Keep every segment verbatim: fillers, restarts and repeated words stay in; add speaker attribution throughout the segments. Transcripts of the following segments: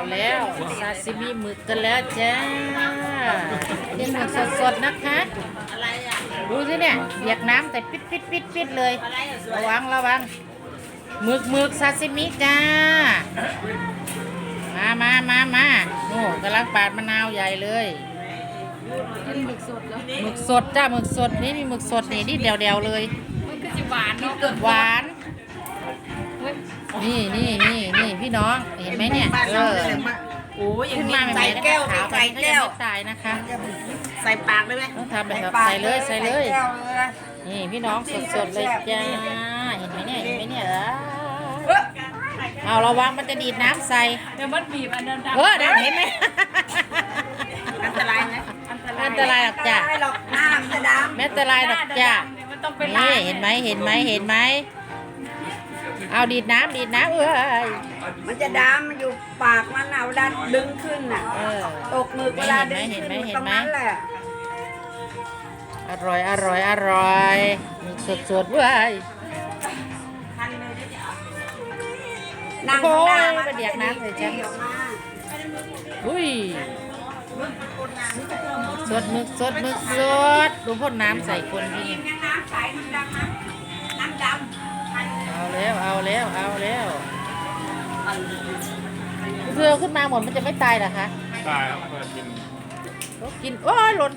Speaker 1: แล้วซาซิมิหมึกกันแล้วจ้าเป็นหมึกสดๆนะคะดูสิเนี่ยเบียกน้ำแต่ปิดปิดปิดปิดเลยระวังระวังหมึกหมึกซาซิมิจ้ามามามามาโน่กำลังปาดมะนาวใหญ่เลยหมึกสดแล้วหมึกสดจ้าหมึกสดนี่มีหมึกสดนี่นี่เดียวเดียวเลยมันก็จะหวานเนาะหวานนี่นี่นี่นี่พี่น้องเห็นไหมเนี่ยเออโอ้ยขึ้นมาใส่แก้วใส่แก้วตายนะคะ
Speaker 2: ใส่ปากได้ไหม
Speaker 1: ต้องทำแบบใส่เลยใส่เลยนี่พี่น้องสดๆเลยจ้าเห็นไหมเนี่ยเห็นไหมเนี่ยเอาระวังมันจะดีดน้ำใส่
Speaker 2: เดี๋ยวมันบีบอันนั้น
Speaker 1: เออเห็นไหม
Speaker 2: อันตรายไหม
Speaker 1: อันตรายหรอกจ้า
Speaker 2: หรอกน้ำจะดำ
Speaker 1: ไม่อันตรายหรอกจ้านี่เห็นไหมเห็นไหมเห็นไหมเอาดีดน้ำดีดน้ำเอ้ย
Speaker 2: มันจะดำมันอยู่ปากมันเอาดันดึงขึ้นน่ะตกมือเวลาดึงขึ้นตรงนั้นแหละ
Speaker 1: อร่อยอร่อยอร่อยสดสดเว้ย
Speaker 2: นั่ง
Speaker 1: โอ้ย
Speaker 2: มั
Speaker 1: กระเดียกน้ำเลยจ้ะอุ้ยสดมึกสดมึกสดดูพ่นน้ำใส่คนพี่
Speaker 2: น้ำใสน้ำดำน้ำดำ
Speaker 1: เอาแล้วเอาแล้วเอาแล้วเธอขึ้นมาหมดมันจะไม่ตายเหรอคะ
Speaker 3: ตายครับเปิดกิน
Speaker 1: กินโอ้ยหล่น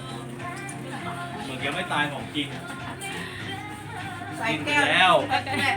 Speaker 3: เหมือนยังไม่ตายของจริง
Speaker 2: ใส่แก้ว
Speaker 3: แล้ว